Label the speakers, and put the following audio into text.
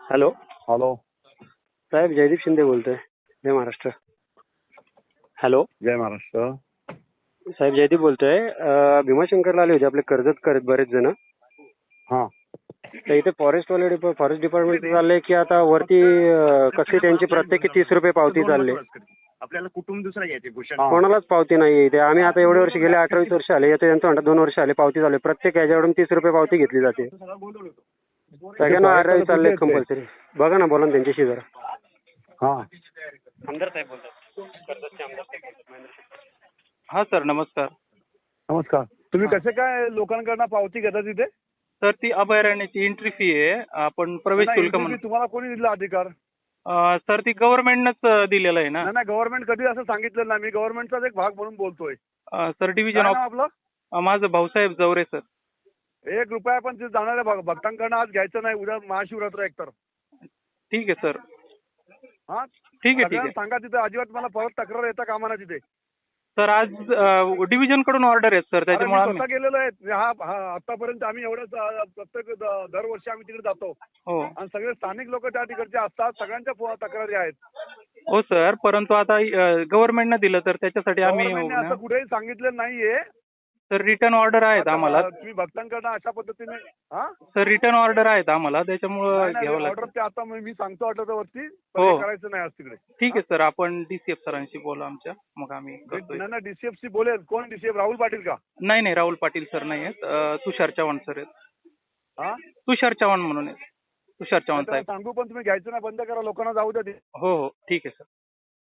Speaker 1: Hello
Speaker 2: hello.
Speaker 1: साहेब, जयदीप शिंदे बोलतोय. जय महाराष्ट्र. हॅलो
Speaker 2: जय महाराष्ट्र.
Speaker 1: साहेब, जयदीप बोलतोय. भीमाशंकरला आले होते आपले कर्जत करत बरेच जण.
Speaker 2: हा.
Speaker 1: तर इथे फॉरेस्ट डिपार्टमेंट चाललंय की आता वरती कसे त्यांची प्रत्येकी 30 रुपये पावती चालली.
Speaker 3: आपल्याला कुटुंब दुसरा घ्यायचे भूषण.
Speaker 1: कोणालाच पावती नाही इथे. आम्ही आता एवढे वर्ष गेले 18-20 वर्ष आले. येतो यांचं म्हणतात 2 वर्ष आले पावती चालू. प्रत्येक याच्याकडून 30 रुपये पावती घेतली जाते. सगळ्यांना 18 चालले कंपल्सरी. बघा ना, बोला ना त्यांच्याशी जरा.
Speaker 2: हा.
Speaker 1: आमदार साहेब बोलतात.
Speaker 4: हा सर, नमस्कार.
Speaker 2: नमस्कार. तुम्ही कसे काय लोकांकडनं पावती घेता तिथे?
Speaker 4: सर, ती अभयारण्याची एंट्री फी आहे. आपण प्रवेश
Speaker 2: नाही,
Speaker 4: शुल्क
Speaker 2: entry
Speaker 4: म्हणून.
Speaker 2: fee तुम्हाला कोणी दिला अधिकार?
Speaker 4: सर, ती गव्हर्नमेंटनंच दिलेलं आहे ना.
Speaker 2: नाही, गव्हर्नमेंट कधी असं सांगितलं नाही. मी गव्हर्नमेंटचाच एक भाग म्हणून बोलतोय.
Speaker 4: सर, डिव्हिजन
Speaker 2: काय
Speaker 4: ऑफ
Speaker 2: नाव आपलं?
Speaker 4: माझं भाऊसाहेब जवरे सर.
Speaker 2: 1 रुपया पण तिथे जाणाऱ्या भक्तांकडनं आज घ्यायचं नाही. उद्या महाशिवरात्र एकतर.
Speaker 4: ठीक आहे सर.
Speaker 2: हा.
Speaker 4: ठीक आहे.
Speaker 2: सगळ्यांना सांगा तिथे अजिबात मला परत तक्रार येता कामा नये तिथे.
Speaker 4: सर, आज डिव्हिजन कडून ऑर्डर आहेत सर,
Speaker 2: अरे, मी
Speaker 4: त्याच्यामुळे
Speaker 2: स्वतः गेलेलो आहे. आतापर्यंत आम्ही एवढंच प्रत्येक दरवर्षी आम्ही तिकडे जातो.
Speaker 4: हो
Speaker 2: आणि सगळे स्थानिक लोक त्या तिकडचे असतात. सगळ्यांच्या तक्रारी आहेत.
Speaker 4: हो सर, परंतु आता गव्हर्नमेंटनं दिलं तर त्याच्यासाठी आम्ही
Speaker 2: गव्हर्नमेंटने असं कुठेही सांगितलं नाहीये.
Speaker 4: सर, रिटर्न ऑर्डर आहेत
Speaker 2: आता
Speaker 4: आम्हाला.
Speaker 2: तुम्ही भक्तांकडनं अशा पद्धतीने हा
Speaker 4: सर, रिटर्न ऑर्डर आहेत आम्हाला, त्याच्यामुळं घ्यावं
Speaker 2: ऑर्डर
Speaker 4: लागतं.
Speaker 2: ते आता मी सांगतो ऑर्डर वरती
Speaker 4: हो.
Speaker 2: करायचं नाही आज तिकडे.
Speaker 4: ठीक आहे सर, आपण DCF सरांशी बोलू आमच्या, मग आम्ही करतोय.
Speaker 2: नाही, DCFC बोलेल. कोण DCF? राहुल पाटील का?
Speaker 4: नाही, राहुल पाटील सर नाही आहेत. तुषार चव्हाण सर आहेत.
Speaker 2: हा.
Speaker 4: तुषार चव्हाण म्हणून आहेत. तुषार चव्हाण
Speaker 2: त्याला
Speaker 4: साहेब.
Speaker 2: सांगू पण तुम्ही घ्यायचं नाही, बंद करा, लोकांना जाऊ द्या ते.
Speaker 4: हो, ठीक आहे सर.